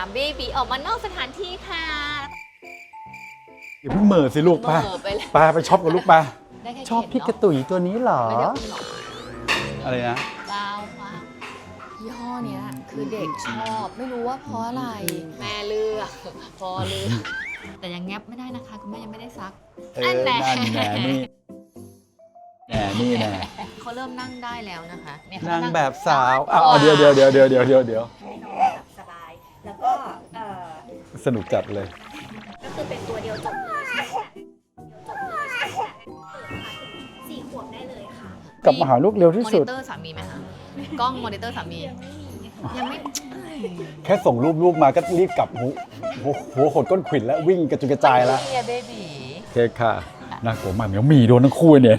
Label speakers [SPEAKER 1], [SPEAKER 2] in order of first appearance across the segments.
[SPEAKER 1] เบบีออกมานอกสถานที่ค่ะ
[SPEAKER 2] อย่าเพิ่งเหม่อสิลูกป้า
[SPEAKER 1] เหม่อไปเลย
[SPEAKER 2] ป้าไปช็อปกับลูกป้า
[SPEAKER 1] ได้แค่
[SPEAKER 2] ชอบ
[SPEAKER 1] เข็น
[SPEAKER 2] พี่กระ
[SPEAKER 1] เนาะ
[SPEAKER 2] ตุ๋ยตัวนี้เหรอ
[SPEAKER 1] ไม่ได้อุ้มหรอก
[SPEAKER 2] อะไรนะ
[SPEAKER 1] เปล่าค่ะยี่ห้อเนี้ยคือเด็กชอบไม่รู้ว่าเพราะอะไร แม่เลือกพอเลือกแต่ยังแงบไม่ได้นะคะคุณแม่ยังไม่ได้ซัก
[SPEAKER 2] นั่นแหละนี่นี่แน่
[SPEAKER 1] เขาเริ่มนั่งได้แล้วนะคะเนี่ย
[SPEAKER 2] นางแบบสาวเดี๋ยว
[SPEAKER 3] ให้น้องแบบสบาย แล้วก็
[SPEAKER 2] สนุกจัดเลย
[SPEAKER 3] ก็คือเป็นตัวเดียวจบเลยใช่ไหมจบเลยใช่ไหมสี่ขวบได้เลยค่ะ
[SPEAKER 2] กลับมาหาลูกเร็วที่
[SPEAKER 1] มอ
[SPEAKER 2] สุ
[SPEAKER 1] นิ
[SPEAKER 2] ด
[SPEAKER 1] เตอร์สามีไหมคะกล้องมอนิเตอร์สามียังไม่
[SPEAKER 2] แค่ส่งรูปมาก็รีบกลับหัวหดก้นขวิดแล้ววิ่งกระจุยกระจายแล้ว
[SPEAKER 1] เฮียเบบี
[SPEAKER 2] โอเคค่ะน่ากลัวมากเหมียวหมีโดนทั้งคู่เนี่ย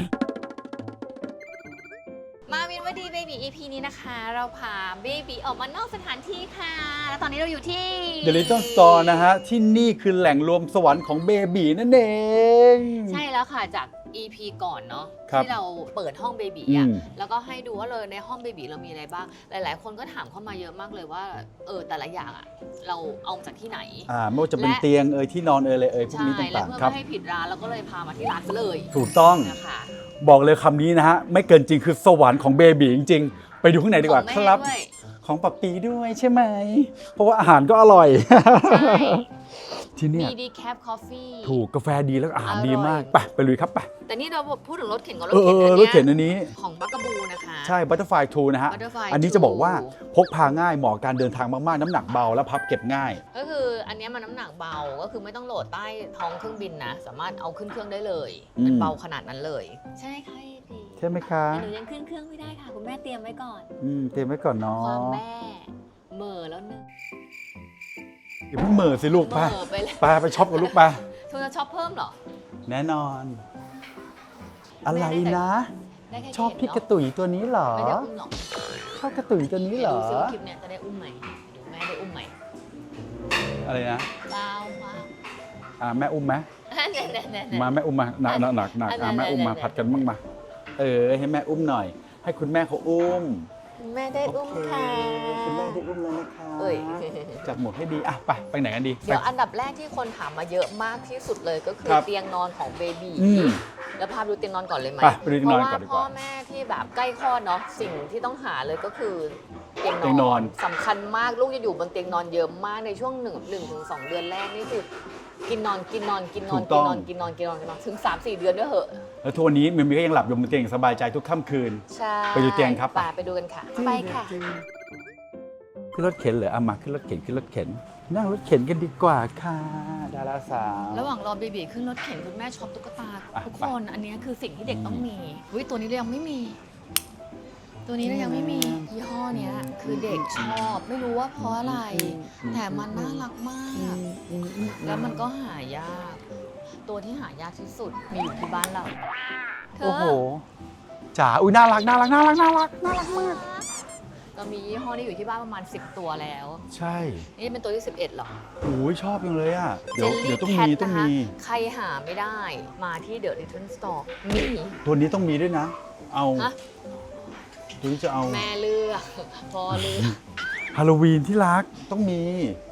[SPEAKER 1] มาวินวดีเบบี EP นี้นะคะ เราพาเบบีออกมานอกสถานที่ค่ะ แล้วตอนนี้เราอยู่ที่
[SPEAKER 2] The Little Store นะฮะ ที่นี่คือแหล่งรวมสวรรค์ของเบบีนั่นเอง
[SPEAKER 1] ใช่แล้วค่ะจาก EP ก่อนเนาะ
[SPEAKER 2] ครับ
[SPEAKER 1] ที่เราเปิดห้องเบบี
[SPEAKER 2] อื
[SPEAKER 1] อ่ะ
[SPEAKER 2] ม
[SPEAKER 1] แล้วก็ให้ดูว่าเลยในห้องเบบีเรามีอะไรบ้าง หลายๆ คนก็ถามเข้ามาเยอะมากเลยว่าแต่ละอย่างอ่ะเราเอามาจากที่ไหน
[SPEAKER 2] ไม่ว่าจะเป็นเตียงที่นอนเลยพวก
[SPEAKER 1] ใช่
[SPEAKER 2] นี้
[SPEAKER 1] แล้ว
[SPEAKER 2] ต่าง
[SPEAKER 1] เพื่อ
[SPEAKER 2] ๆครับ
[SPEAKER 1] ไม่ให้ผิดร้านเราก็เลยพามาที่ร้านซะเลย
[SPEAKER 2] ถูกต้อง
[SPEAKER 1] นะคะ
[SPEAKER 2] บอกเลยคำนี้นะฮะ ไม่เกินจริงคือสวรรค์ของเบบีจริงๆ ไปดูข้างในดีกว่า
[SPEAKER 1] ของ
[SPEAKER 2] ค
[SPEAKER 1] แม่
[SPEAKER 2] รับ
[SPEAKER 1] ด้วย
[SPEAKER 2] ของปับปีด้วยใช่ไหม เพราะว่าอาหารก็อร่อย
[SPEAKER 1] ใช่
[SPEAKER 2] ที่เนี่ย
[SPEAKER 1] มีดีแคปคอฟฟี่
[SPEAKER 2] ถูกกาแฟดีแล้วอาหาร
[SPEAKER 1] อร่อย
[SPEAKER 2] ดีมากไปลุยครับไป
[SPEAKER 1] แต่นี่เราพูดถึงรถเข็นกับร
[SPEAKER 2] ร
[SPEAKER 1] ถ
[SPEAKER 2] ถ
[SPEAKER 1] เข็น
[SPEAKER 2] เข็นอันนี้
[SPEAKER 1] ของบักกะบูนะคะ
[SPEAKER 2] ใช่ Butterfly 2 นะฮะ
[SPEAKER 1] Butterfly
[SPEAKER 2] อันนี้จะบอกว่า
[SPEAKER 1] 2
[SPEAKER 2] พกพาง่ายเหมาะกับการเดินทางมากๆ น้ำหนักเบาและพับเก็บง่าย
[SPEAKER 1] ก็คืออันเนี้ยมันน้ำหนักเบาก็คือไม่ต้องโหลดใต้ท้องเครื่องบินนะ สามารถเอาขึ้นเครื่องได้เลย
[SPEAKER 2] อืม
[SPEAKER 1] มันเบาขนาดนั้นเลย ใช่ค่ะดี
[SPEAKER 2] ใช่ไหมคะ
[SPEAKER 1] หนูยังขึ้นเครื่องไม่ได้ค่ะ คุณแม่เตรียมไว้ก่อน
[SPEAKER 2] เตรียมไว้ก่อนเนาะ
[SPEAKER 1] ความแม่เหม่อแล้วนึง
[SPEAKER 2] อย่าเพิ่งเหม่อสิลูก
[SPEAKER 1] เห
[SPEAKER 2] ป้า
[SPEAKER 1] ม่อไปเลย
[SPEAKER 2] ป้าไปช็อปกับลูกป้า
[SPEAKER 1] เธอจะช็อปเพิ่มเหรอ
[SPEAKER 2] แน่นอน อะไรนะ
[SPEAKER 1] ได้แค่
[SPEAKER 2] ชอบพี่กระ
[SPEAKER 1] เข็นเน
[SPEAKER 2] ตุ๋ยตัวนี้เหรอ
[SPEAKER 1] อะไม่ได้อุ้มหรอก
[SPEAKER 2] ชอบกระตุ๋ยตัวนี้เหรอ
[SPEAKER 1] ดูซิว่าคลิปเนี้ยจะได้อุ้มไหมเดี๋ยวแม่ได้อุ้มไหม
[SPEAKER 2] อะไรนะ
[SPEAKER 1] เปล่าค่ะ
[SPEAKER 2] แม่อุ้มไหม
[SPEAKER 1] เนี่ย
[SPEAKER 2] มาแม่อุ้มมาหนักแม่อุ้มมาผัดกันบ้างมาให้แม่อุ้มหน่อย ให้คุณแม่เขาอุ้ม
[SPEAKER 1] แม่ได้อุ้มค่ะ
[SPEAKER 2] คุณแม่ได้อุ้มแล้วนะคะ
[SPEAKER 1] เอ้ย
[SPEAKER 2] จัดหมดให้ดีไปไหนกันดี
[SPEAKER 1] เดี๋ยวอันดับแรกที่คนถามมาเยอะมากที่สุดเลยก็คือ
[SPEAKER 2] ครับ
[SPEAKER 1] เตียงนอนของเบบี
[SPEAKER 2] อืม
[SPEAKER 1] แล้วพาไปดูเตียงนอนก่อนเลยไหม
[SPEAKER 2] ไปดูเตียงนอนก่อนดีกว่า
[SPEAKER 1] เพราะว่าพ่อแม่ที่แบบใกล้คลอดเนาะสิ่งที่ต้องหาเลยก็คือเตียง
[SPEAKER 2] เตียงนอน
[SPEAKER 1] สำคัญมากลูกจะอยู่บนเตียงนอนเยอะมากในช่วง1 ถึง 2 เดือนแรกนี่คือกินนอนถึง 3-4 เดือนด้วยเหอะ
[SPEAKER 2] แล้วทุกวันนี้มิมี่ก็ยังหลับอยู่บนเตียงอย่างสบายใจทุกค่ำคืน
[SPEAKER 1] ใช่
[SPEAKER 2] ไปดูเตียงครับ
[SPEAKER 1] ไปดูกันค่ะไปค่ะ
[SPEAKER 2] ขึ้นรถเข็นเหรอมาขึ้นรถเข็นนั่งรถเข็นกันดีกว่าค่ะดาราสาว
[SPEAKER 1] ระหว่างรอเบบีขึ้นรถเข็นคุณแม่ช็อปตุ๊กตา
[SPEAKER 2] อ่ะ
[SPEAKER 1] ทุกคนอันนี้คือสิ่งที่เด็กต้องมีวิตัวนี้เรายังไม่มี ตัวนี้เรายังไม่มียี่ห้อเนี้ยคือเด็กชอบไม่รู้ว่าเพราะอะไร แต่มันน่ารักมาก แล้วมันก็หายาก ตัวที่หายากที่สุดมีอยู่ที่บ้านเราเธ
[SPEAKER 2] โอ้โหจ๋าอุ้ยน่ารักมาก
[SPEAKER 1] เรามียี่ห้อนี้อยู่ที่บ้านประมาณ10 ตัวแล้ว
[SPEAKER 2] ใช่
[SPEAKER 1] นี่เป็นตัวที่ 11หรอ
[SPEAKER 2] โอ้ยชอบจังเลยอ่ะเดี๋ยว
[SPEAKER 1] Jelly
[SPEAKER 2] ต้อง
[SPEAKER 1] Cat
[SPEAKER 2] มี
[SPEAKER 1] นะคะใครหาไม่ได้มาที่ The Little Store มี
[SPEAKER 2] ตัวนี้ต้องมีด้วยนะ เอา
[SPEAKER 1] ฮะ
[SPEAKER 2] ตัวนี้จะเอา
[SPEAKER 1] แม่เลือกพอเลือก
[SPEAKER 2] ฮาโลวีนที่รักต้องมี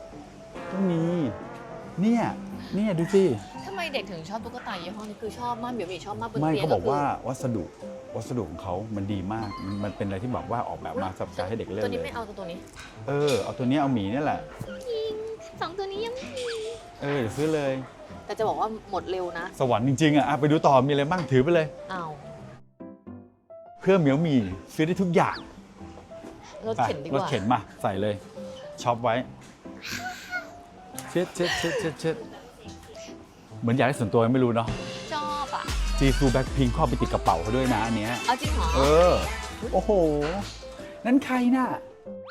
[SPEAKER 2] เนี่ยดูสิ
[SPEAKER 1] ทำไมเด็กถึงชอบตุ๊กตายี่ห้อนี้คือชอบมากเบียวมีชอบมากบน
[SPEAKER 2] ไม่
[SPEAKER 1] เตียง
[SPEAKER 2] เขาบอกว่าวัสดุของเขามันดีมาก มันเป็นอะไรที่แบบว่าออกแบบมาสำหรับการให้เด็กเล่น
[SPEAKER 1] ตัวนี้
[SPEAKER 2] เลย
[SPEAKER 1] ไม่เอาตัวนี้
[SPEAKER 2] เอาตัวนี้เอาหมีนี่แหละ
[SPEAKER 1] 2 ตัวนี้ยังไม่มี
[SPEAKER 2] เดี๋ยวซื้อเลย
[SPEAKER 1] แต่จะบอกว่าหมดเร็วนะ
[SPEAKER 2] สวรรค์จริงๆอ่ะไปดูต่อมีอะไรบ้างถือไปเลย
[SPEAKER 1] เอา
[SPEAKER 2] เพื่อเหมียวหมีซื้อได้ทุกอย่าง
[SPEAKER 1] รถเข็นดีก
[SPEAKER 2] รถ
[SPEAKER 1] ว่า
[SPEAKER 2] เข็นมาใส่เลยช็อปไว้เช็ดเหมือนอยากได้ส่วนตัวไม่รู้เนาะ
[SPEAKER 1] ชอบอ่ะ
[SPEAKER 2] จีซูแบ็คพิงเข้าไปติดกระเป๋าเขาด้วยนะอันเนี้ย
[SPEAKER 1] เอาจริงเหรอ
[SPEAKER 2] โอ้โห นั่นใครน่ะ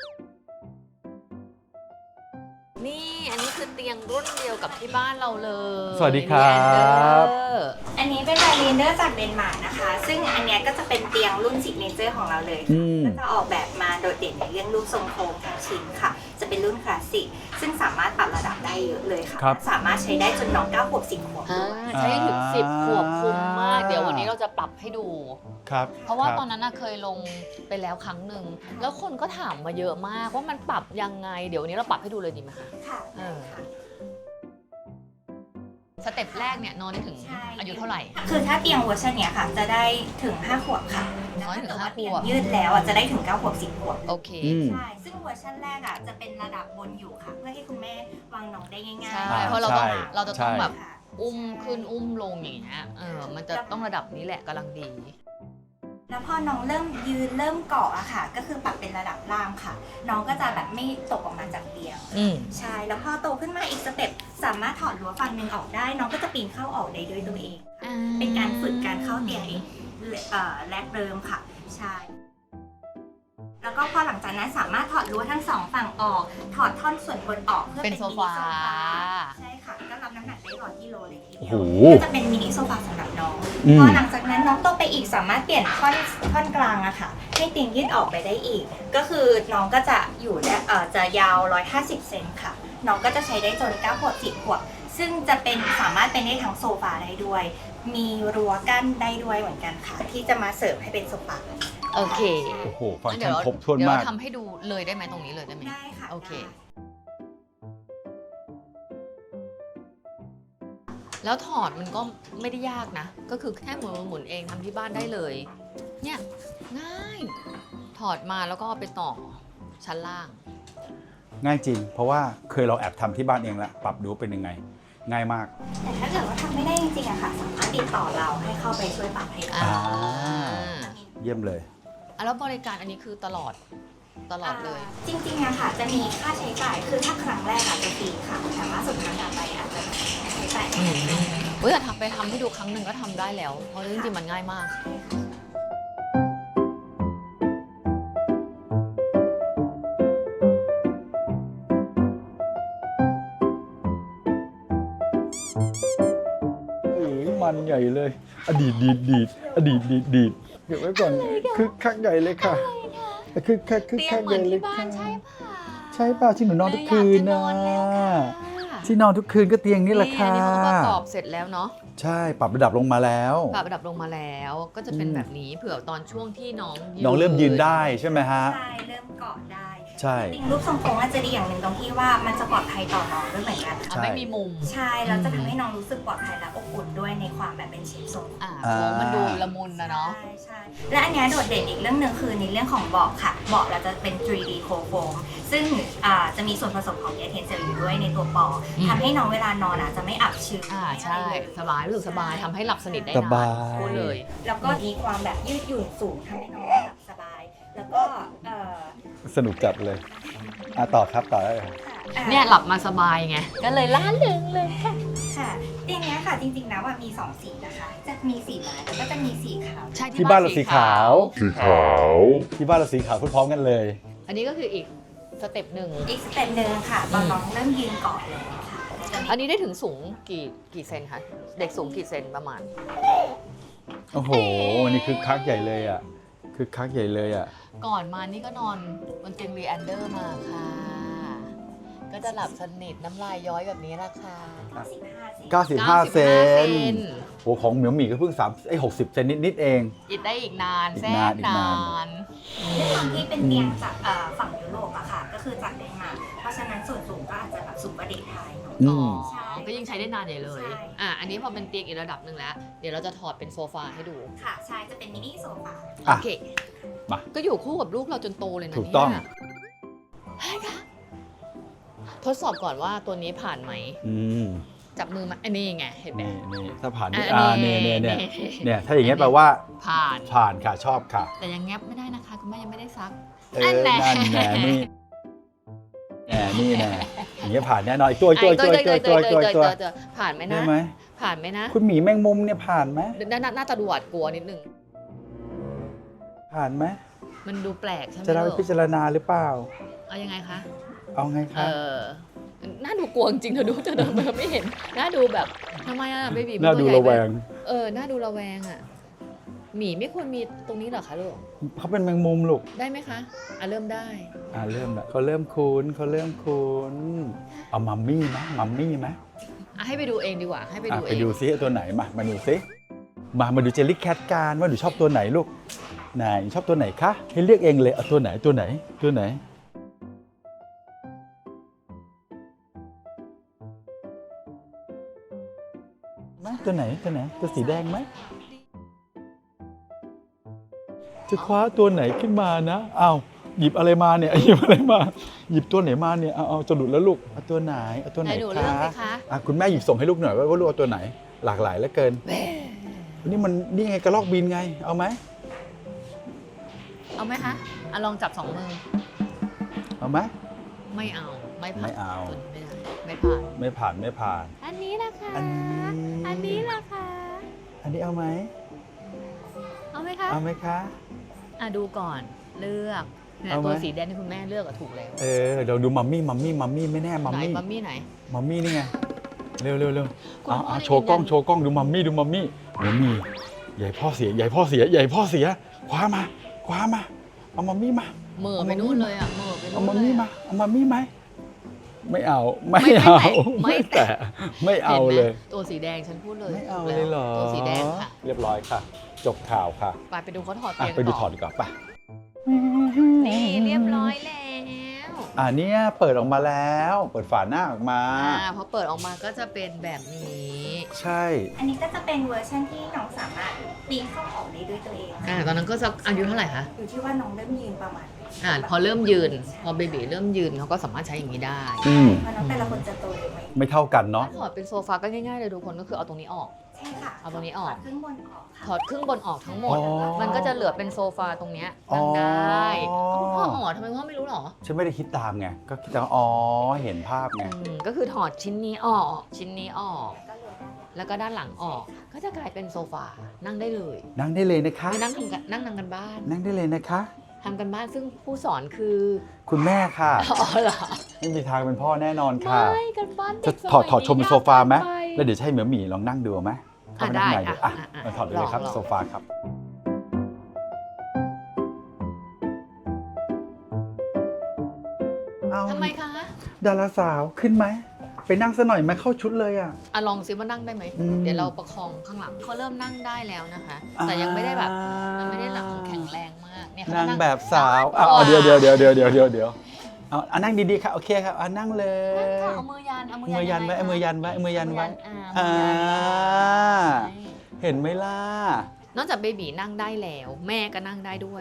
[SPEAKER 1] นี่อันนี้คือเตียงรุ่นเดียวกับที่บ้านเราเลย
[SPEAKER 2] สวัสดีครับ
[SPEAKER 3] อันนี้เป็นไดรีเดอร์จากเดนมาร์กนะคะ ซึ่งอันเนี้ยก็จะเป็นเตียงรุ่นซิกเนเจอร์ของเราเลย ก็จะออกแบบมาโดดเด่นในเรื่องรูปทรงโค้งทั้งชิ้นค่ะ จะเป็นรุ่นคลาสสิก ซึ่งสามารถปรับระดับได้เยอะเลยค่ะ
[SPEAKER 2] ครับ
[SPEAKER 3] สามารถใช้ได้จนน้อง9 ขวบ 10 ขวบด้วย
[SPEAKER 1] ใช้ถึง10 ขวบคุ้มมาก เดี๋ยววันนี้เราจะปรับให้ดู
[SPEAKER 2] ครับ
[SPEAKER 1] เพราะว่า
[SPEAKER 2] คบ
[SPEAKER 1] ตอนนั้นน่ะเคยลงไปแล้วครั้งหนึ่งแล้วคนก็ถามมาเยอะมากว่ามันปรับยังไง เดี๋ยววันนี้เราปรับให้ดูเลยดีไหมคะ
[SPEAKER 3] ค่ะ
[SPEAKER 1] เออ
[SPEAKER 3] ค่ะ
[SPEAKER 1] สเต็ปแรกเนี่ยนอนได้ถึง
[SPEAKER 3] ใช่
[SPEAKER 1] อายุเท่าไหร่
[SPEAKER 3] คือถ้าเตียงเวอร์ชันเนี้ยค่ะ จะได้ถึง 5 ขวบค่ะ
[SPEAKER 1] น้อยถึง
[SPEAKER 3] แต่
[SPEAKER 1] ห้า
[SPEAKER 3] ว่าเตียง
[SPEAKER 1] ขวบ
[SPEAKER 3] ยืดแล้วอ่ะจะได้ถึง 9 ขวบ 10 ขวบ
[SPEAKER 1] โอเค
[SPEAKER 3] ใช่ ซึ่งเวอร์ชันแรกอ่ะจะเป็นระดับบนอยู่ค่ะ เพื่อให้คุณแม่วางน้องได้ง่ายๆ
[SPEAKER 1] ใช่เพราะเราต้อง
[SPEAKER 2] ใช่
[SPEAKER 1] เราจะต้องแบบ
[SPEAKER 3] ค่ะ
[SPEAKER 1] อุ้มขึ้นอุ้มลงอย่างเงี้ยมันจะต้องระดับนี้แหละกำลังดี
[SPEAKER 3] แล้วพอน้องเริ่มยืนเริ่มเกาะอะค่ะ ก็คือปรับเป็นระดับล่างค่ะ น้องก็จะแบบไม่ตกออกมาจากเตียง
[SPEAKER 1] อืม
[SPEAKER 3] ใช่ แล้วพอโตขึ้นมาอีกสเต็ปสามารถถอดรั้วฝั่งหนึ่งออกได้ น้องก็จะปีนเข้าออกได้ด้วยตัวเอง เป็นการฝึกการเข้าเตียงเองแรกเริ่มค่ะ ใช่ แล้วก็พอหลังจากนั้นสามารถถอดรั้วทั้งสองฝั่งออก ถอดท่อนส่วนบนออกเพื่อ
[SPEAKER 1] เป็
[SPEAKER 3] เป็น น
[SPEAKER 1] โซ
[SPEAKER 3] มินิ
[SPEAKER 1] ฟา
[SPEAKER 3] โซฟา ใช่ค่ะ ก็รับน้ำหนักได้100 กิโลเลยทีเดียว
[SPEAKER 2] โอ้โห
[SPEAKER 3] ก็จะเป็นมินิโซฟาสำหรับน้อง พอหลังจากนั้นน้องโตไปอีกสามารถเปลี่ยนท่อนกลางอะค่ะ ให้เตียงยืดออกไปได้อีก ก็คือน้องก็จะอยู่ได้จะยาว 150 เซนค่ะ น้องก็จะใช้ได้จน 9 ขวบ 10 ขวบ ซึ่งจะเป็นสามารถเป็นได้ทั้งโซฟาได้ด้วย มีรั้วกั้นได้ด้วยเหมือนกันค่ะ ที่จะมาเสริมให้เป็นโซฟา
[SPEAKER 1] โอเค
[SPEAKER 2] โอ้โห ฟังก์
[SPEAKER 1] เดี๋
[SPEAKER 2] ชั
[SPEAKER 1] ย
[SPEAKER 2] น
[SPEAKER 1] ว
[SPEAKER 2] ครบถ้วน
[SPEAKER 1] เดี๋ยว
[SPEAKER 2] มาก
[SPEAKER 1] เราทำให้ดูเลยได้ไหมตรงนี้เลยได้ไหม
[SPEAKER 3] ได้ค่ะ
[SPEAKER 1] โอเค
[SPEAKER 3] ได้
[SPEAKER 1] แล้วถอดมันก็ไม่ได้ยากนะ ก็คือแค่หมุนเองทำที่บ้านได้เลย เนี่ยง่าย ถอดมาแล้วก็เอาไปต่อชั้นล่าง
[SPEAKER 2] ง่ายจริง เพราะว่าเคยเราแอบทำที่บ้านเองแล้วปรับดูเป็นยังไง ง่ายมาก
[SPEAKER 3] แต่ถ้าเกิดว่าทำไม่ได้จริงๆอะค่ะ สามารถติดต่อเราให้เข้าไปช่วยปรับให้ได้
[SPEAKER 1] อ่า
[SPEAKER 2] เยี่ยมเลย
[SPEAKER 1] แล้วบริการอันนี้คือตลอดเลย
[SPEAKER 3] จริงๆอะค่ะ จะมีค่าใช้จ่าย คือถ้าครั้งแรกอาจจะฟรีค่ะ แต่ว่าสุดท้ายต่อไปอาจจะใช้จ่าย
[SPEAKER 1] เฮ้ยแต่ทำไปทำให้ดูครั้งหนึ่งก็ทำได้แล้ว เพราะจริงๆมันง่ายมาก
[SPEAKER 2] มันใหญ่เลย อดีตดีดอดีตดีดเก็บไว้ก่อนคือคักใหญ่เลยค่ะคือคัก
[SPEAKER 1] เตียง
[SPEAKER 2] คัก
[SPEAKER 1] เห
[SPEAKER 2] ให
[SPEAKER 1] มือ
[SPEAKER 2] ญ่
[SPEAKER 1] น
[SPEAKER 2] เลย
[SPEAKER 1] ที่บ้า
[SPEAKER 2] ค่ะ
[SPEAKER 1] นใช่ป่ะ
[SPEAKER 2] ใช่เปล่าที่หนูนอนทุกคืนนะ
[SPEAKER 1] อยากจะนอนแล้วค่ะ
[SPEAKER 2] ที่นอนทุกคืนก็เตียงนี่แหละค่ะ
[SPEAKER 1] นี่เขาประกอบเสร็จแล้วเนาะ
[SPEAKER 2] ใช่ปรับระดับลงมาแล้ว
[SPEAKER 1] ปรับระดับลงมาแล้ว ก็จะเป็นแบบนี้เผื่อตอนช่วงที่น้อง
[SPEAKER 2] น้องเริ่มยืนได้ใช่ไหมฮะ
[SPEAKER 3] ใช่ เริ่มเกาะได้
[SPEAKER 2] ใช่
[SPEAKER 3] จริงๆรูปทรงโค้งอาจจะดีอย่างหนึ่งตรงที่ว่ามันจะปลอดภัยต่อน้องด้วยเหมือนกัน
[SPEAKER 1] อ่ะไม่มีมุม
[SPEAKER 3] ใช่ แล้วจะทำให้น้องรู้สึกปลอดภัยและอบอุ่นด้วยในความแบบเป็นเชฟทรง
[SPEAKER 1] โค้งมันดูละมุนนะเนาะ
[SPEAKER 3] ใช่ใช่และอันเนี้ยโดดเด่นอีกเรื่องหนึ่งคือในเรื่องของเบาะค่ะ เบาะเราจะเป็น 3D โคโฟมซึ่งจะมีส่วนผสมของยาเทนเซลอยู่ด้วยในตัวปอ
[SPEAKER 1] อืม
[SPEAKER 3] ทำให้น้องเวลานอนจะไม่อับชื้น
[SPEAKER 1] ใช่สบายรู้สึกสบายทำให้หลับสนิทได้
[SPEAKER 2] ส
[SPEAKER 1] นา
[SPEAKER 2] บาน ย
[SPEAKER 1] พูดเลย
[SPEAKER 3] แล้วก็มีความแบบยืดหยุ่นสูงทำให้น้องหลับสบาย แล้วก็
[SPEAKER 2] สนุกจัดเลยต่อครับต่อได้เลยครับ
[SPEAKER 1] เนี่ยหลับมาสบายไง ก็เลยล้านหนึ่งเลยค่ะ
[SPEAKER 3] ค่ะเตียงเนี้ยค่ะจริงๆแล้วมี2สีนะคะ จะมีสีไม้แล้วก็จะมีสีขาว
[SPEAKER 1] ใช่
[SPEAKER 2] ที่บ้านเราสีขาว
[SPEAKER 4] สีขาว
[SPEAKER 2] ที่บ้านเราสีขาวพร้อมๆกันเลย
[SPEAKER 1] อันนี้ก็คืออีกสเต็ปหนึ่ง
[SPEAKER 3] อีกสเต็ปหนึ่งค่ะตอนน้องเริ่มยืนเกาะเลยค่ะจะมี
[SPEAKER 1] อันนี้ได้ถึงสูงกี่เซนคะ เด็กสูงกี่เซนประมาณ
[SPEAKER 2] โอ้โหวันนี้คือคักใหญ่เลยอ่ะคือคักใหญ่เลยอ่ะ
[SPEAKER 1] ก่อนมานี่ก็นอนบนเตียงรีแอนเดอร์มาค่ะ ก็จะหลับสนิทน้ำลายย้อยแบบนี้ละค่ะ
[SPEAKER 3] 95
[SPEAKER 2] 95 เซนโอ้ของเหมียวหมี่ก็เพิ่ง60 เซนนิดๆเอง
[SPEAKER 1] อีกได้อีกนาน
[SPEAKER 2] อีก
[SPEAKER 1] แส
[SPEAKER 2] นาน
[SPEAKER 1] น
[SPEAKER 2] อีก
[SPEAKER 1] น
[SPEAKER 2] นาน
[SPEAKER 1] าน
[SPEAKER 3] ด้วยความที่เป็นเตียงจากฝั่งยุโรปอะค่ะ ก็คือจากเดนมาร์กเพราะฉะนั้นส่วนสูงก็อาจจะแบบสูงกว่าเด็กไทยเนอะ
[SPEAKER 2] อื
[SPEAKER 1] อ๋อ
[SPEAKER 2] ม
[SPEAKER 3] ใช่
[SPEAKER 1] ก็ยิ่งใช้ได้นานใหญ่เลย
[SPEAKER 3] ใช่
[SPEAKER 1] อันนี้พอเป็นเตียงอีกระดับหนึ่งแล้ว เดี๋ยวเราจะถอดเป็นโซฟาให้ดู
[SPEAKER 3] ค่ะใช่จะเป็นมินิโซฟา
[SPEAKER 1] โอ
[SPEAKER 2] อ่ะ
[SPEAKER 1] เค
[SPEAKER 2] มา
[SPEAKER 1] ก็อยู่คู่กับลูกเราจนโตเลยนะ
[SPEAKER 2] ถูกต้อง
[SPEAKER 1] เนี่ยทดสอบก่อนว่าตัวนี้ผ่านไหม
[SPEAKER 2] อืม
[SPEAKER 1] จับมือมาอันนี้ไง เห็นไหม
[SPEAKER 2] นี่ถ้าผ่านนี่
[SPEAKER 1] นี่
[SPEAKER 2] เนี่ยถ้าอย่างเงี้ยแปลว่า
[SPEAKER 1] ผ่าน
[SPEAKER 2] ผ่านค่ะชอบค่ะ
[SPEAKER 1] แต่ยังแงบไม่ได้นะคะ คุณแม่ยังไม่ได้ซัก
[SPEAKER 2] นั่นแหละนี่นี่แน่อย่างเงี้ยผ่านแน่นอนอีกตัว
[SPEAKER 1] ผ่านไหม
[SPEAKER 2] ได้
[SPEAKER 1] นะ
[SPEAKER 2] ไหม
[SPEAKER 1] ผ่านไหมนะ
[SPEAKER 2] คุณหมีแมงมุมเนี่ยผ่านไหม
[SPEAKER 1] น่าจะดูหวาดกลัวนิดนึง
[SPEAKER 2] ผ่านไหม
[SPEAKER 1] มันดูแปลกใช่ไหม
[SPEAKER 2] จะนำไป
[SPEAKER 1] ลูก
[SPEAKER 2] พิจารณาหรือเปล่า
[SPEAKER 1] เอายังไงคะ
[SPEAKER 2] เอาไงคะ
[SPEAKER 1] น่าดูกลัวจริงๆเธอดูเธอเดินมาไม่เห็น น่าดูแบบทำไมอ่ะเบบี
[SPEAKER 2] น่าดูระแวง
[SPEAKER 1] น่าดูระแวงอ่ะ หมีไม่ควรมีตรงนี้เหรอคะลูก
[SPEAKER 2] เขาเป็นแมงมุมลูก
[SPEAKER 1] ได้ไหมคะเริ่มได้
[SPEAKER 2] เริ่มแล้วเขาเริ่มคุ้นเอามัมมี่ไหมมัมมี่ไหม
[SPEAKER 1] ให้ไปดูเองดีกว่า ให้ไปดูเอ
[SPEAKER 2] ไป
[SPEAKER 1] ง
[SPEAKER 2] ดูซิตัวไหนมาดูซิมาดูเจลลี่แคทกันว่าหนูชอบตัวไหนลูกไหนชอบตัวไหนคะให้เลือกเองเลยเอาตัวไหนไหมตัวไหนตัวสีแดงไหมจะคว้าตัวไหนขึ้นมานะอ้าวหยิบอะไรมาเนี่ย หยิบอะไรมาหยิบตัวไหนมาเนี่ยเอาจะหลุดแล้วลูกเอาตัวไหน
[SPEAKER 1] ไหนหนูเลือกสิคะ
[SPEAKER 2] คุณแม่หยิบส่งให้ลูกหน่อยว่าลูกเอาตัวไหนหลากหลายเหลือเกินนี่ไงกระรอกบินไงเอาไหม
[SPEAKER 1] เอาไหมคะลองจับ2 มือ
[SPEAKER 2] เอาไหม
[SPEAKER 1] ไม่เอา ไม่ผ่าน
[SPEAKER 2] ไม่เอา
[SPEAKER 1] ไม่ผ่าน
[SPEAKER 2] ไม่ผ่าน
[SPEAKER 1] อันนี้ล่ะคะ
[SPEAKER 2] อันนี้
[SPEAKER 1] นี้ล่ะคะ
[SPEAKER 2] อันนี้เอาไหม
[SPEAKER 1] เอาไหมคะ
[SPEAKER 2] เอาไหมคะ
[SPEAKER 1] ดูก่อนเลือกเนี่ย
[SPEAKER 2] เอาไหม
[SPEAKER 1] ตัวสีแดงที่คุณแม่เลือกถูกแล้ว
[SPEAKER 2] เดี๋ยวดูมัมมี่ไม่แน่มัม
[SPEAKER 1] ไหน
[SPEAKER 2] มี่
[SPEAKER 1] มัมมี่ไหน
[SPEAKER 2] มัมมี่นี่ไงเร็ว
[SPEAKER 1] คุณพ่อ
[SPEAKER 2] โชว์กล้อง
[SPEAKER 1] ยืนยัน
[SPEAKER 2] โชว์กล้องดูมัมมี่ใหญ่พ่อเสียคว้ามาเอามัมมี่มา
[SPEAKER 1] เหม่อไปนู่นเลยเหม่อไปนู่น
[SPEAKER 2] เอามัม
[SPEAKER 1] เลย
[SPEAKER 2] มี่มาเอามัมมี่ไหมไม่เอา
[SPEAKER 1] ไม่แตะ
[SPEAKER 2] ไม่เอาเลย
[SPEAKER 1] ห็นไหมตัวสีแดงฉันพูดเลย
[SPEAKER 2] ไม่เอา
[SPEAKER 1] ถูก
[SPEAKER 2] เลยเหรอ
[SPEAKER 1] ตัวสีแดงค่ะ
[SPEAKER 2] เรียบร้อยค่ะ จบข่าวค่ะ
[SPEAKER 1] ไปดูเขาถอดเตียง
[SPEAKER 2] ไปดูถอดดีกว่าป่ะ
[SPEAKER 1] นี่เรียบร้อยแล้ว
[SPEAKER 2] เนี่ยเปิดออกมาแล้วเปิดฝาหน้าออกมา
[SPEAKER 1] พอเปิดออกมาก็จะเป็นแบบนี้
[SPEAKER 2] ใช่
[SPEAKER 3] อันนี้ก็จะเป็นเวอร์ชันที่น้องสามารถปีนเข้าออกได้ด้วยตัวเองค่ะ
[SPEAKER 1] ตอนนั้นก็จะอายุเท่าไหร่คะ
[SPEAKER 3] อยู่ที่ว่าน้องเริ่มยืนประมาณ
[SPEAKER 1] พอเริ่มยืน พอเบบีเริ่มยืนเขาก็สามารถใช้อย่างนี้ได้
[SPEAKER 3] เพราะน้องแต่ละคนจะโตเร็วไหม
[SPEAKER 2] ไม่เท่ากันเนาะ
[SPEAKER 1] ถอดเป็นโซฟาก็ง่ายๆเลยทุกคนก็คือเอาตรงนี้ออก
[SPEAKER 3] ใช่ค่ะ
[SPEAKER 1] เอาตรงนี้ออก
[SPEAKER 3] ถครึ่งบนออกค่ะ
[SPEAKER 1] ถอดครึ่งบนออกทั้งหมด
[SPEAKER 2] อ๋อ
[SPEAKER 1] มันก็จะเหลือเป็นโซฟาตรงเนี้ยนั่งได้คุณพ่ออ๋อทำไมพ่อไม่รู้หรอ
[SPEAKER 2] ฉันไม่ได้คิดตามไงก็คิดตามเห็นภาพไง
[SPEAKER 1] ก็คือถอดชิ้นนี้ออก ชิ้นนี้ออก
[SPEAKER 3] ก็เลย
[SPEAKER 1] แล้วก็ด้านหลังออก ก็จะกลายเป็นโซฟา นั่งได้เลย
[SPEAKER 2] นั่งได้เลยนะคะ
[SPEAKER 1] ไม่นั่งทำกันบ้าน
[SPEAKER 2] นั่งได้เลยนะคะ
[SPEAKER 1] ทำกันบ้านซึ่งผู้สอนคือ
[SPEAKER 2] คุณแม่ค่ะ
[SPEAKER 1] อ๋อเหรอ
[SPEAKER 2] ไม่มีทางเป็นพ่อแน่นอนค่ะ
[SPEAKER 1] ไม่กันบ้านเด็
[SPEAKER 2] จะ
[SPEAKER 1] กสมัย
[SPEAKER 2] ถอดชมเป็นโซฟาไหม
[SPEAKER 1] ยกเกินไป
[SPEAKER 2] แล้วเดี๋ยวจะให้เหมียวหมีลองนั่งดูไหมเข้าไปนั่งในดูมาถอดไปเลยครับ
[SPEAKER 1] ลอง
[SPEAKER 2] โซฟาครับเอา
[SPEAKER 1] ทำไมคะ
[SPEAKER 2] ดาราสาวขึ้นไหมไปนั่งซะหน่อยไหมเข้าชุดเลยอ่ะ
[SPEAKER 1] ลองซิว่านั่งได้ไหม เดี๋ยวเราประคองข้างหลังเขาเริ่มนั่งได้แล้วนะคะ แต่ยังไม่ได้แบบมันไม่ได้หลังแข็งแรงมากเนี่ยเขา
[SPEAKER 2] นั่ง
[SPEAKER 1] นั่ง
[SPEAKER 2] แบบสาวเดี๋ยวเอานั่งดีๆค่ะโอเคครับเอานั่งเลย
[SPEAKER 1] เอามือยัน
[SPEAKER 2] มือยันไว้มือยันไว้มือยันไว้เห็นไหมล่ะ
[SPEAKER 1] นอกจากเบบีนั่งได้แล้ว แม่ก็นั่งได้ด้วย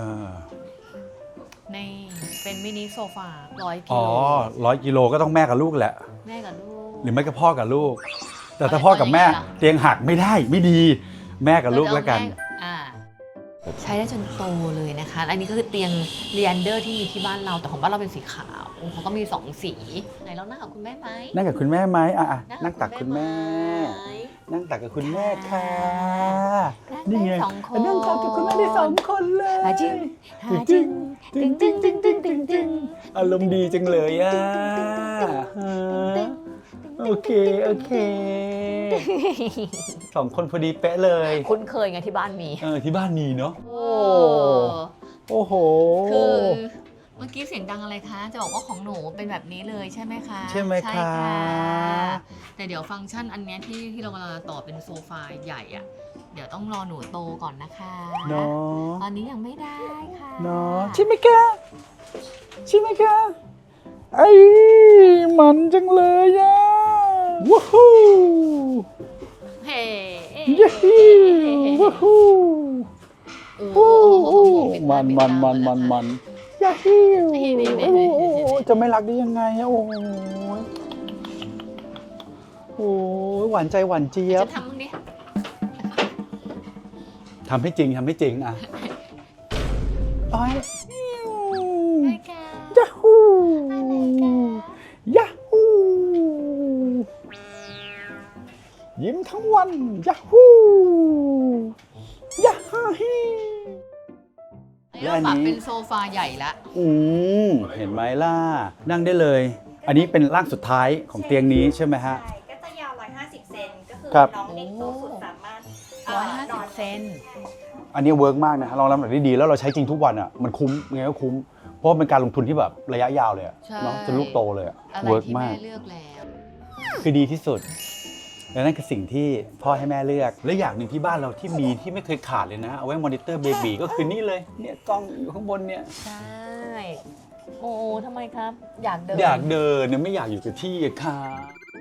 [SPEAKER 1] ในเป็นมินิโซฟา100 กิโล
[SPEAKER 2] 100 กิโลก็ต้องแม่กับลูกแหละ
[SPEAKER 1] แม่กับลูก
[SPEAKER 2] หรือไม่ก็พ่อกับลูก แต่ถ้าพ่อกับแม่เตียงหักไม่ได้ไม่ดี แม่กับลูกแล้วกัน
[SPEAKER 1] ใช้ได้จนโตเลยนะคะ อันนี้ก็คือเตียงเรียนเดอร์ที่มีที่บ้านเรา แต่ของบ้านเราเป็นสีขาวเขาก็มี2 สี ไหนเรานั่งกับคุณแม่ไหม
[SPEAKER 2] นั่งกับคุณแม่ไหมนั่งตักคุณแม่ นั่งตักกับคุณแม่ค่ะนี่ไง
[SPEAKER 1] 2 คน
[SPEAKER 2] นั่งตักกับคุณแม่ได้2 คนเลย
[SPEAKER 1] จึงจึง
[SPEAKER 2] อารมณ์ดีจังเลยอ่ะโอเค2 คนพอดีเป๊ะเลย
[SPEAKER 1] คุ้นเคยไงที่บ้านมี
[SPEAKER 2] ที่บ้านมีเนาะโอ้โห
[SPEAKER 1] คือเมื่อกี้เสียงดังอะไรคะ จะบอกว่าของหนูเป็นแบบนี้เลยใช่ไหมคะ
[SPEAKER 2] ใช่ไหมคะ
[SPEAKER 1] แต่เดี๋ยวฟังก์ชันอันเนี้ยที่เรากำลังต่อเป็นโซฟาใหญ่อะเดี๋ยวต้องรอหนูโตก่อนนะคะ
[SPEAKER 2] เนาะ
[SPEAKER 1] ตอนนี้ยังไม่ได้ค่ะ
[SPEAKER 2] เนาะใช่ไหมคะไอ้มันจังเลยอ่ะว้าว
[SPEAKER 1] เฮ้
[SPEAKER 2] ยูฮูว้าว
[SPEAKER 1] โอ้โห
[SPEAKER 2] มันยาฮิวจะไม่รักได้ยังไงอะโอ้ยหวานใจหวานเจี๊ยบ
[SPEAKER 1] จะทำมึงดิ
[SPEAKER 2] ทำให้จริงอ่ะอ้อยยาฮูยิ้มทั้งวันยาฮูยาฮาฮี
[SPEAKER 1] เราปรับเป็นโซฟาใหญ่ละ
[SPEAKER 2] เห็นไหมล่ะนั่งได้เลย อันนี้เป็นร่างสุดท้ายของเตียงนี้ใช่ไหมฮะ
[SPEAKER 3] ใช่ก็จะยาว150 เซนก็คือ
[SPEAKER 2] ครับ
[SPEAKER 3] น้องเด็กโตสุดสามารถนอน
[SPEAKER 1] 150 เซน
[SPEAKER 2] อันนี้เวิร์กมากนะลองทำแบบนี้ดีแล้วเราใช้จริงทุกวันอ่ะมันคุ้มไงก็คุ้มเพราะเป็นการลงทุนที่แบบระยะยาวเลยอะเนาะจนลูกโตเลยอะ
[SPEAKER 1] อะไร
[SPEAKER 2] เวิร์ก
[SPEAKER 1] ที่
[SPEAKER 2] มา
[SPEAKER 1] แม่
[SPEAKER 2] ก
[SPEAKER 1] เลือกแล้ว
[SPEAKER 2] คือดีที่สุดและนั่นคือสิ่งที่พ่อให้แม่เลือกและอย่างหนึ่งที่บ้านเราที่มีที่ไม่เคยขาดเลยนะเอาไว้มอนิเตอร์เบบีก็คือนี่เลยเนี่ยกล้องอยู่ข้างบนเนี่ย
[SPEAKER 1] ใช่ โอ้ทำไมครับ อยากเดิน
[SPEAKER 2] อยากเดินเนี่ยไม่อยากอยู่กับที่อะค่ะ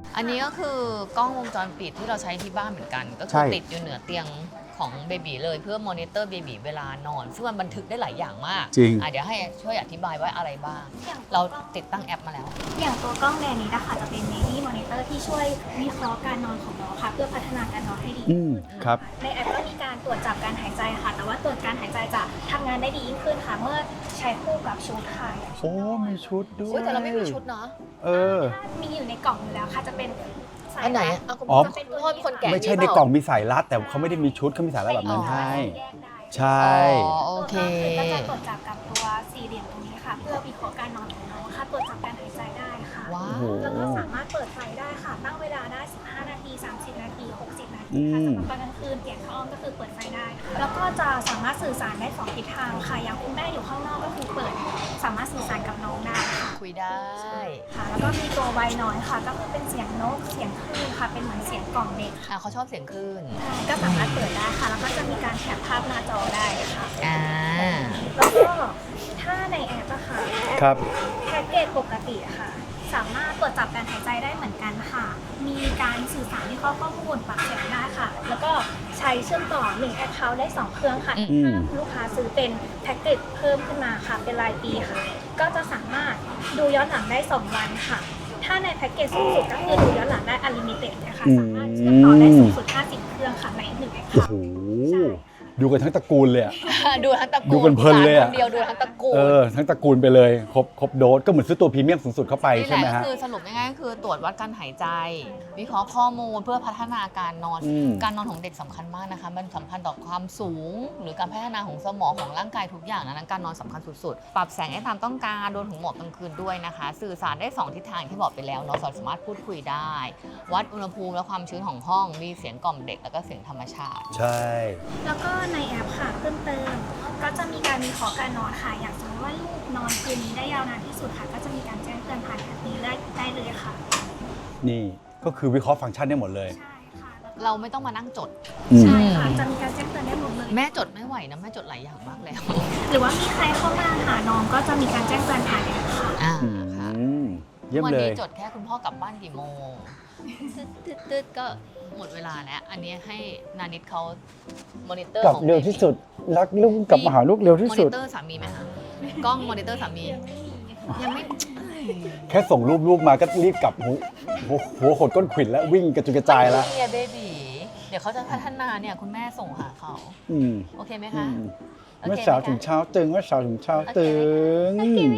[SPEAKER 1] อันนี้ก็คือกล้องวงจรปิดที่เราใช้ที่บ้านเหมือนกัน ก็คื
[SPEAKER 2] ใช่
[SPEAKER 1] อติดอยู่เหนือเตียงของเบบีเลยเพื่อมอนิเตอร์เบบีเวลานอน ซึ่งมันบันทึกได้หลายอย่างมาก
[SPEAKER 2] จริง
[SPEAKER 1] เดี๋ยวให้ช่วยอธิบายว่าอะไรบ้าง เราติดตั้งแอปมาแล้ว
[SPEAKER 4] อย่างตัวกล้องแดนนี้นะคะจะเป็น Baby Monitor ที่ช่วยวิเคราะห์การนอนของน้องค่ะเพื่อพัฒนาการนอนให้ดี
[SPEAKER 2] อืมครับ
[SPEAKER 4] ในแอปก็มีการตรวจจับการหายใจค่ะ แต่ว่าตรวจการหายใจจะทำงานได้ดียิ่งขึ้นค่ะ เมื่อใช้คู่กับชุดค่ะ
[SPEAKER 2] โอ้มีชุดด้วย
[SPEAKER 1] อุ๊ยแต่เราไม่มีชุดเนาะ
[SPEAKER 2] เออ
[SPEAKER 4] ถ้ามีอยู่ในกล่องอยู่แล้วค่ะจะเป็นสาย
[SPEAKER 1] อันไหน
[SPEAKER 4] รั
[SPEAKER 1] อ่ะ
[SPEAKER 4] ด
[SPEAKER 1] เอาคุณ
[SPEAKER 2] อ๋อ
[SPEAKER 1] พ่อเป็นคนแก่
[SPEAKER 2] ไม่ใช่ในกล่องมีสายรัดแต่เขาไม่ได้มีชุดเขามีสายรัดแบบนั้นให้
[SPEAKER 4] แยกได้
[SPEAKER 2] ใช่
[SPEAKER 1] อ๋อโอเค
[SPEAKER 4] ตัวกล้องก็จะตรวจจับกับตัวสี่เหลี่ยมตรงนี้ค่ะ เพื่อวิเคราะห์การนอนของน้องค่ะตรวจจับการหายใจได้ค่ะ
[SPEAKER 1] ว้า
[SPEAKER 2] โอ้
[SPEAKER 1] ว
[SPEAKER 2] โห
[SPEAKER 4] แล้วก็สามารถเปิดไฟได้ค่ะ ตั้งเวลาได้ 15 นาที 30 นาที 60 นาที
[SPEAKER 2] อื
[SPEAKER 4] ค่ะ
[SPEAKER 2] ม
[SPEAKER 4] สำหรับตอนกลางคืนเปลี่ยนผ้าอ้อมก็คือเปิดไฟได้ค่ะแล้วก็จะสามารถสื่อสารได้2ทิศทางค่ะ อย่างคุณแม่อยู่ข้างนอกก็คือเปิด สามารถสื่อสารกับน้องได้ค่ะ
[SPEAKER 1] คุยได้
[SPEAKER 4] ค่ะ แล้วก็มีตัวไวน้อยค่ะ ก็คือเป็นเสียงนก เสียงคลื่นค่ะ เป็นเหมือนเสียงกล่องเด็กค่ะ
[SPEAKER 1] เขาชอบเสียงคลื่น
[SPEAKER 4] ใช่ก็สามารถเปิดได้ค่ะ แล้วก็จะมีการแคปภาพหน้าจอได้ค่ะ
[SPEAKER 1] อ่า
[SPEAKER 4] แล้วก็ถ้าในแอปอะค่ะ
[SPEAKER 2] ครับ
[SPEAKER 4] แพ็กเกจปกติอะค่ะ สามารถตรวจจับการหายใจได้เหมือนกันค่ะ มีการสื่อสารที่ข้อมูลปากเสียงได้ค่ะ แล้วก็ใช้เชื่อมต่อ1แอคเคาท์ได้2เครื่องค่ะ
[SPEAKER 2] อืม
[SPEAKER 4] ถ้าลูกค้าซื้อเป็นแพ็กเกจเพิ่มขึ้นมาค่ะ เป็นรายปีค่ะ ก็จะสามารถดูย้อนหลังได้2วันค่ะ ถ้าในแพ็กเกจสูงสุดก็คือดูย้อนหลังได้ Unlimited นะคะ สามารถเชื่อมต่อได้สูงสุด50 เครื่องค่ะใน1แอค
[SPEAKER 2] โอ้
[SPEAKER 4] เคา
[SPEAKER 2] โห
[SPEAKER 4] ท์
[SPEAKER 2] ดูกันทั้งตระกูลเลยอะ
[SPEAKER 1] ดูทั้งตระกูล
[SPEAKER 2] ดูกันเพลินเลยอะ
[SPEAKER 1] คนเดียวดูทั้งตระกูล
[SPEAKER 2] ทั้งตระกูลไปเลยครบโดสก็เหมือนซื้อตัวพรีเมียมสูงสุดเข้าไป
[SPEAKER 1] นี่แห
[SPEAKER 2] ใช่ไหม
[SPEAKER 1] ละก็
[SPEAKER 2] ฮะ
[SPEAKER 1] คือสรุปง่ายๆก็คือตรวจวัดการหายใจ วิเคราะห์ข้อมูลเพื่อพัฒนาการนอน
[SPEAKER 2] อืม
[SPEAKER 1] การนอนของเด็กสำคัญมากนะคะ มันสัมพันธ์ต่อความสูง หรือการพัฒนาของสมองของร่างกายทุกอย่างนั้นการนอนสำคัญสุดๆ ปรับแสงให้ตามต้องการโดนถึงหมอกกลางคืนด้วยนะคะ สื่อสารได้2ทิศทางที่บอกไปแล้วเนาะสามารถพูดคุยได้ วัดอุณหภูมิและความชื้นของห้องมีเสียงกล่อมเด็กแล้วก็เสียงธรรมชาติ
[SPEAKER 2] ใช่
[SPEAKER 4] แล้วก็ในแอปค่ะเพิ่มเติมก็จะมีการวิเคราะห์การนอนค่ะ อย่างสมมติว่าลูกนอนคืนนี้ได้ยาวนานที่สุดค่ะ ก็จะมีการแจ้งเตือนผ่านแอปนี้ได้เลยค่ะ
[SPEAKER 2] นี่ก็คือวิเคราะห์ฟังก์ชันได้หมดเลย
[SPEAKER 4] ใช่ค่ะแล้วก็
[SPEAKER 1] เราไม่ต้องมานั่งจด
[SPEAKER 4] ใช่ค่ะจะมีการแจ้งเตือนได้หมดเลย
[SPEAKER 1] แม่จดไม่ไหวนะแม่จดหลายอย่างมากแล้ว
[SPEAKER 4] หรือว่ามีใครเข้ามาหาน้องก็จะมีการแจ้งเตือนผ่านแอปค่ะ
[SPEAKER 1] อ่า
[SPEAKER 2] อื
[SPEAKER 1] ค่ะ
[SPEAKER 2] มเยี่ยม
[SPEAKER 1] วัน
[SPEAKER 2] เล
[SPEAKER 1] นี้
[SPEAKER 2] ย
[SPEAKER 1] จดแค่คุณพ่อกลับบ้านกี่โมงตึ๊ดก็หมดเวลาแล้ว อันนี้ให้นานิดเขามอนิเตอร์
[SPEAKER 2] กลับ
[SPEAKER 1] ของ
[SPEAKER 2] เร็วที่สุด รักลูกกลับมาหาลูกเร็วที่
[SPEAKER 1] มอ
[SPEAKER 2] สุ
[SPEAKER 1] นิ
[SPEAKER 2] ด
[SPEAKER 1] เตอร์สามีไหมคะกล้องมอนิเตอร์สามี ยังไม่
[SPEAKER 2] แค่ส่งรูปลูกมาก็รีบกลับหัวขดก้นขวิดแล้ววิ่งกระจุยกระจายแล้ว
[SPEAKER 1] เบบีเดี๋ยวเขาจะพัฒนาเนี่ยคุณแม่ส่งหาเขา
[SPEAKER 2] อืม
[SPEAKER 1] โอเคไหม
[SPEAKER 2] อื
[SPEAKER 1] คะ
[SPEAKER 2] ม
[SPEAKER 1] โอเคไหมคะ
[SPEAKER 2] เมื่อเช้าถึงเช้าตึงเมื่อเช้าถึงเช้าตึง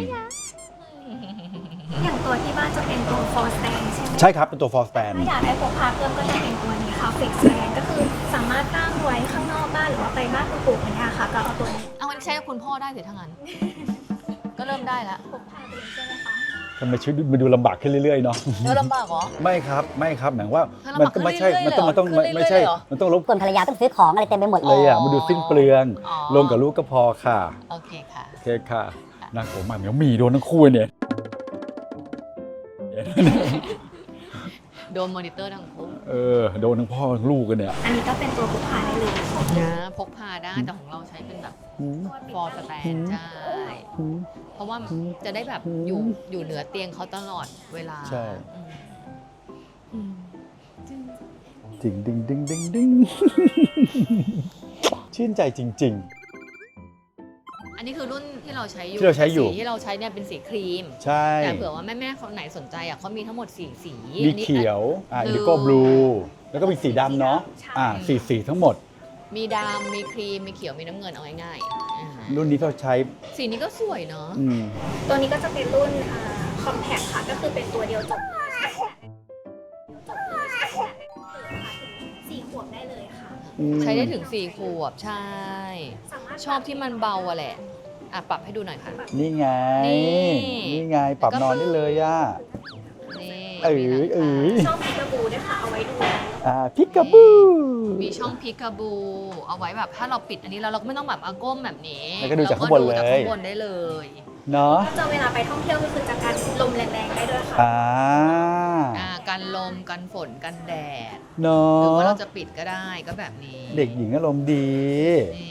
[SPEAKER 4] อย่างตัวที่บ้านจะเป็นตัว for stand ใช่ไหม
[SPEAKER 2] ใช่ครับ เป็นตัว for stand
[SPEAKER 4] ถ้าอยากได้พกพาเพิ่มก็จะเป็นตัวนี้ค่ะ fix stand ก็คือสามารถตั้งไว้ข้างนอกบ้านหรือว่าไปบ้านคุณปู่คุณย่าค่ะ ก็เอาตัวนี้
[SPEAKER 1] เอาอันนี้ใช้กับคุณพ่อได้สิทั้างนั้น ก็เริ่มได้แล้ว
[SPEAKER 4] พกพาไปเลยใช่ไหมคะ
[SPEAKER 2] ทำไมชีวิตมันดูลำบากขึ้นเรื่อยๆเนาะ
[SPEAKER 1] เดี๋ยวลำบากเหรอ
[SPEAKER 2] ไม่ครับไม่ครับหมายว่า
[SPEAKER 1] ถ้าลำ
[SPEAKER 2] มั
[SPEAKER 1] บากขึ้น
[SPEAKER 2] ไม่ใช่
[SPEAKER 1] เรื่อยๆ
[SPEAKER 2] มันต้อง
[SPEAKER 1] เลยเหรอ
[SPEAKER 2] ไม่ใช่
[SPEAKER 1] ขึ้นเรื่อยๆเหรอ
[SPEAKER 2] มันต้องรบ
[SPEAKER 5] ส่วนภรรยาต้องซื้อของอะไรเต็มไปหมด
[SPEAKER 2] เลยอ่ะมันดูสิ้นเปลือง
[SPEAKER 1] อ๋อ
[SPEAKER 2] ลงกับลูกก็พอค่ะ
[SPEAKER 1] โอเคค่ะ
[SPEAKER 2] โอเคค่ะน่ากลัวมากเหมียวหมีโดนทั้งคู่เนี่ย
[SPEAKER 1] โดนมอนิเตอร์ทั้งคู่
[SPEAKER 2] โดนทั้งพ่อทั้งลูกกันเนี่ย
[SPEAKER 4] อันนี้ก็เป็นตัวพกพาได้เลย
[SPEAKER 1] นะพกพาได้แต่ของเราใช้เป็นแบบฟอร์สแตนใช่เพราะว่าจะได้แบบอยู่เหนือเตียงเขาตลอดเวลา
[SPEAKER 2] ใช่
[SPEAKER 1] อืม
[SPEAKER 2] ดิ่งดิ่งดิ่งดิ่งดิ่งชื่นใจจริง
[SPEAKER 1] อันนี้คือรุ่นที่เราใช้อยู่
[SPEAKER 2] ที่เราใช้อยู่
[SPEAKER 1] สีที่เราใช้เนี่ยเป็นสีครีม
[SPEAKER 2] ๆ ใช่
[SPEAKER 1] แต่เผื่อว่าแม่ๆคนไหนสนใจอ่ะเขามีทั้งหมด4 สี
[SPEAKER 2] มี
[SPEAKER 1] อันนี้
[SPEAKER 2] เขียวอินดิ
[SPEAKER 1] blue
[SPEAKER 2] โก้บลูแล้วก็มีสีดำเนาะสีทั้งหมด
[SPEAKER 1] มีดำมีครีมมีเขียวมีน้ำเงินเอาง่ายๆอ่า
[SPEAKER 2] รุ่นนี้เราใช้
[SPEAKER 1] สีนี้ก็สวยเนาะ
[SPEAKER 2] อืม
[SPEAKER 4] ตัวนี้ก็จะเป็นรุ่นcompact ค่ะ ก็คือเป็นตัวเดียวจบ4 ขวบได้เลยค่ะ
[SPEAKER 1] ใช้ได้ถึง4 ขวบใช่
[SPEAKER 4] สามารถ
[SPEAKER 1] ชอบที่มันเบาอะแหละอ่ะปรับให้ดูหน่อยค่ะ
[SPEAKER 2] นี่ไง
[SPEAKER 1] นี่
[SPEAKER 2] นี่ไงปรับนอนได้เลยอ่ะ
[SPEAKER 1] นี่
[SPEAKER 2] เอ๋ย
[SPEAKER 1] มีหลังคา
[SPEAKER 2] เอ๋ย
[SPEAKER 4] ช่องพิกาบูด้วยค่ะ เอาไว้ดู
[SPEAKER 2] พิกาบู
[SPEAKER 1] มีช่องพิกาบู เอาไว้แบบถ้าเราปิดอันนี้แล้วเราก็ไม่ต้องแบบเอาก้มแบบนี้
[SPEAKER 2] แล้วก็ดูจากข้างบนเลย
[SPEAKER 1] รก็ดูจากข้างบนได้เลย
[SPEAKER 2] เนาะ
[SPEAKER 4] ก็จะเวลาไปท่องเที่ยวก็คือจะการลมแรงๆได้ด้วยค่ะ
[SPEAKER 1] กันลมกันฝนกันแดด
[SPEAKER 2] เนา
[SPEAKER 1] หรือว่า
[SPEAKER 2] ะ
[SPEAKER 1] เราจะปิดก็ได้ก็แบบนี้
[SPEAKER 2] เด็กหญิงอารมณ์ดี
[SPEAKER 1] นี่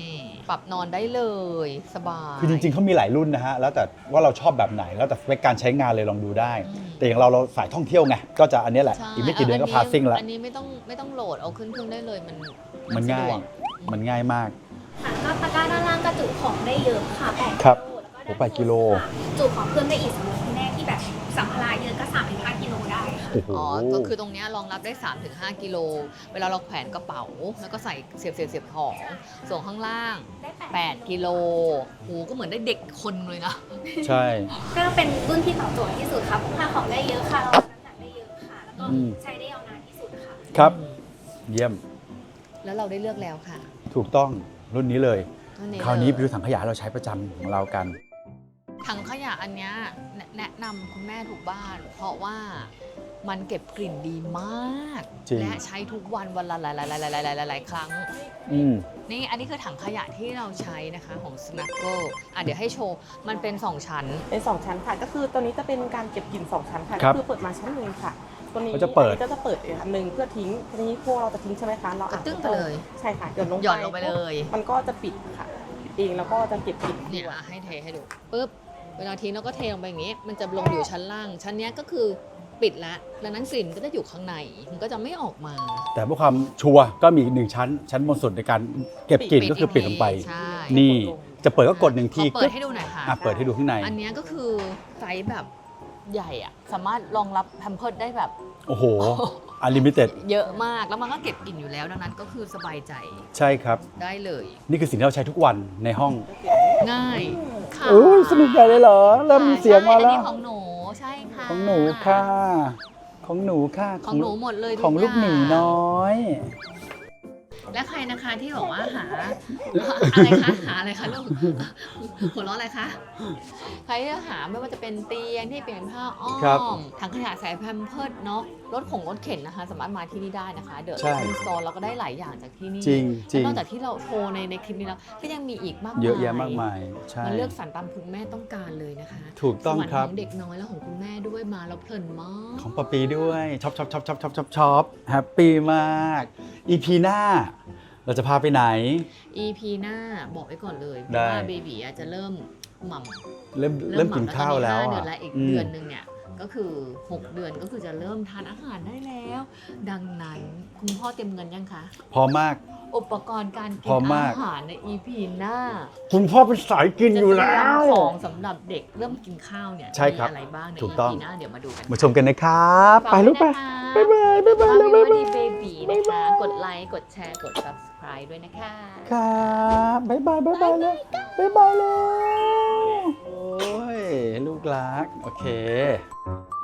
[SPEAKER 1] ปรับนอนได้เลยสบาย
[SPEAKER 2] คือจริงๆเขามีหลายรุ่นนะฮะแล้วแต่ว่าเราชอบแบบไหนแล้วแต่สเปคการใช้งานเลยลองดูได้ แต่อย่างเราสายท่องเที่ยวไงก็จะอันนี้แหละ
[SPEAKER 1] ใช่
[SPEAKER 2] อีกไม่กี่เดือนก็พาซิ่งแล้ว
[SPEAKER 1] อันนี้ไม่ต้องโหลดเอาขึ้นเครื่องได้เลยมัน
[SPEAKER 2] มัน
[SPEAKER 1] สะ
[SPEAKER 2] ง่า
[SPEAKER 1] ดวย ก
[SPEAKER 2] มันง่ายมาก
[SPEAKER 4] ค่ะก็ตะกร้าด้านล่างก็จุของได้เยอะค่ะ8
[SPEAKER 2] ครับ
[SPEAKER 4] กิโลแล้วก็ด้าน
[SPEAKER 2] โอ้8กิโล
[SPEAKER 4] ค่ะจุของเพิ่มได้อีกสำหรับคุณแม่ที่แบบสัมภาระเยอะก็ 3-5 กิโลได้ค่ะ
[SPEAKER 2] โอ้โห
[SPEAKER 1] อ๋อ ก็คือตรงเนี้ยรองรับได้ 3-5 กิโล เวลาเราแขวนกระเป๋า แล้วก็ใส่เสียบของ ส่วนข้างล่าง
[SPEAKER 4] ได้
[SPEAKER 1] 8 กิโลโหก็เหมือนได้เด็กคนเลยนะ
[SPEAKER 2] ใช่
[SPEAKER 4] ก็เป็นรุ่นที่ตอบโจทย์ที่สุดค่ะพกพาของได้เยอะค่ะรับน้ำหนักได้เยอะค่ะ แล้วก็ใช้ได้ยาวนานที่สุดค่ะ
[SPEAKER 2] ครับ เยี่ยม
[SPEAKER 1] แล้วเราได้เลือกแล้วค่ะ
[SPEAKER 2] ถูกต้องรุ่นนี้เลย
[SPEAKER 1] รุ่น
[SPEAKER 2] คราวนี้
[SPEAKER 1] เลย
[SPEAKER 2] ไปดูถังขยะเราใช้ประจำของเรากัน
[SPEAKER 1] ถังขยะอันเนี้ยแนะนำคุณแม่ทุกบ้าน เพราะว่ามันเก็บกลิ่นดีมาก
[SPEAKER 2] จริง
[SPEAKER 1] และใช้ทุกวันวันละหลายๆครั้ง
[SPEAKER 2] อืม
[SPEAKER 1] นี่อันนี้คือถังขยะที่เราใช้นะคะของ Snuggle เดี๋ยวให้โชว์ มันเป็น 2 ชั้น
[SPEAKER 6] เป็น2ชั้นค่ะ ก็คือตัวนี้จะเป็นการเก็บกลิ่น2ชั้นค่ะ
[SPEAKER 2] ครั
[SPEAKER 6] ก็
[SPEAKER 2] บ
[SPEAKER 6] คือเปิดมาชั้นหนึ่งค่ะ ตัวนี้
[SPEAKER 2] เขาจะเปิด
[SPEAKER 6] อันนี้ก็จะเปิดอีกอันหนึ่งเพื่อทิ้งทีนี้พวกเราจะทิ้งใช่ไหมคะเรา
[SPEAKER 1] กระตึ้งไปเลย
[SPEAKER 6] ใช่ค่ะหย่อนลงไป
[SPEAKER 1] หย่อนลงไปเลย
[SPEAKER 6] มันก็จะปิดค่ะปิดเองแล้วก็จะเก็บกลิ่น
[SPEAKER 1] เนี่ย
[SPEAKER 6] ด้วย
[SPEAKER 1] ให้เทให้ดูปุ๊บเวลาทิ้งเราก็เทลงไปอย่างนี้ มันจะลงอยู่ชั้นล่าง ชั้นเนี้ยก็คือปิดแล้วดังนั้นกลิ่นก็จะอยู่ข้างในมันก็จะไม่ออกมา
[SPEAKER 2] แต่เพื่อความชัวร์ก็มีอีกหนึ่งชั้นบนสุดในการเก็บกลิ่นก็คือปิดลงไป
[SPEAKER 1] ใช่
[SPEAKER 2] นี่จะเปิดก็กดหนึ่งที
[SPEAKER 1] ขอเปิดให้ดูหน่อยค่ะ
[SPEAKER 2] เปิดให้ดูข้างใน
[SPEAKER 1] อันเนี้ยก็คือไซส์แบบใหญ่อะสามารถรองรับแพมเพิร์ดได้แบบ
[SPEAKER 2] โอ้โหอ n l ลิมิเต็ด
[SPEAKER 1] เยอะมากแล้วมันก็เก็บกลิ่นอยู่แล้วดังนั้นก็คือสบายใจ
[SPEAKER 2] ใช่ครับ
[SPEAKER 1] ได้เลย
[SPEAKER 2] นี่คือสิ่งที่เราใช้ทุกวันในห้อง
[SPEAKER 1] ง่ายค่ะ
[SPEAKER 2] โอ้ยสนุกใหญ่เลยเหรอ เริ่มมีเสียงมา
[SPEAKER 1] ใช่อัน
[SPEAKER 2] แล้
[SPEAKER 1] นี้
[SPEAKER 2] ว
[SPEAKER 1] ของหนูใช่ค่ะ
[SPEAKER 2] ของหนูค่ะ ของหนูค่ะ
[SPEAKER 1] ของหนูหมดเลยทุ
[SPEAKER 2] ของลูกหมี
[SPEAKER 1] อย่าง
[SPEAKER 2] น้อย
[SPEAKER 1] และใครนะคะที่บอกว่าหาอะไรคะหาอะไรคะลูกหัวเราะอะไรคะใครที่หาไม่ว่าจะเป็นเตียงที่เปลี่ยนผ้าอ้อ
[SPEAKER 2] ครับ
[SPEAKER 1] มถังขยะใส่แพมเพิร์ดเนาะรถของรถเข็นนะคะ สามารถมาที่นี่ได้นะคะ เดอะ
[SPEAKER 2] ใช่
[SPEAKER 1] อินสตอร์เราก็ได้หลายอย่างจากที่นี่
[SPEAKER 2] จริงจริง
[SPEAKER 1] และนอกจากที่เราโชว์ในคลิปนี้แล้วก็ยังมีอีกมากมาย
[SPEAKER 2] เยอะแยะมากมาย ใช่
[SPEAKER 1] มันเลือกสรรตามคุณแม่ต้องการเลยนะคะ
[SPEAKER 2] ถูกต้อง
[SPEAKER 1] สวรรค์
[SPEAKER 2] ครับ
[SPEAKER 1] ของเด็กน้อยและของคุณแม่ด้วยมาแล้วเพลินมาก
[SPEAKER 2] ของปะปีด้วยช็อปแฮปปี้มาก EP หน้า เราจะพาไปไหน
[SPEAKER 1] EP หน้าบอกไว้ก่อนเลย
[SPEAKER 2] ได้
[SPEAKER 1] ว่าเบบีอาจจะเริ่มหม่ำ
[SPEAKER 2] เริ่มกินข้าวแล้ว
[SPEAKER 1] เดื
[SPEAKER 2] อ่ะ
[SPEAKER 1] อนละอีก
[SPEAKER 2] อืม
[SPEAKER 1] เดือนหนึ่งเนี่ยก็คือ 6 เดือนก็คือจะเริ่มทานอาหารได้แล้ว ดังนั้นคุณพ่อเตรียมเงินยังคะ
[SPEAKER 2] พร้อมมาก
[SPEAKER 1] อุปกรณ์การกิ
[SPEAKER 2] พร้อมมาก
[SPEAKER 1] อาหารใน EP หน้า
[SPEAKER 2] คุณพ่อเป็นสายกินอยู่แล้ว
[SPEAKER 1] จะเตรียมของสำหรับเด็กเริ่มกินข้าวเนี่ย
[SPEAKER 2] ใช่ครับ
[SPEAKER 1] มีอะไรบ้างใน
[SPEAKER 2] ถูกต้อง
[SPEAKER 1] EP หน้าเดี๋ยวมาดูกัน
[SPEAKER 2] มาชมกันนะครับ ไปลูกไป
[SPEAKER 1] ฝากด้วยนะคะ
[SPEAKER 2] บ๊ายบายแล้วบ๊ายบาย
[SPEAKER 1] ดีเบบีนะคะ กดไลค์ กดแชร์ กด subscribe ด้วยนะคะ
[SPEAKER 2] ครับบ๊ายบายแล้วบ๊ายบายแล้วโอ้ย ลูกรัก โอเค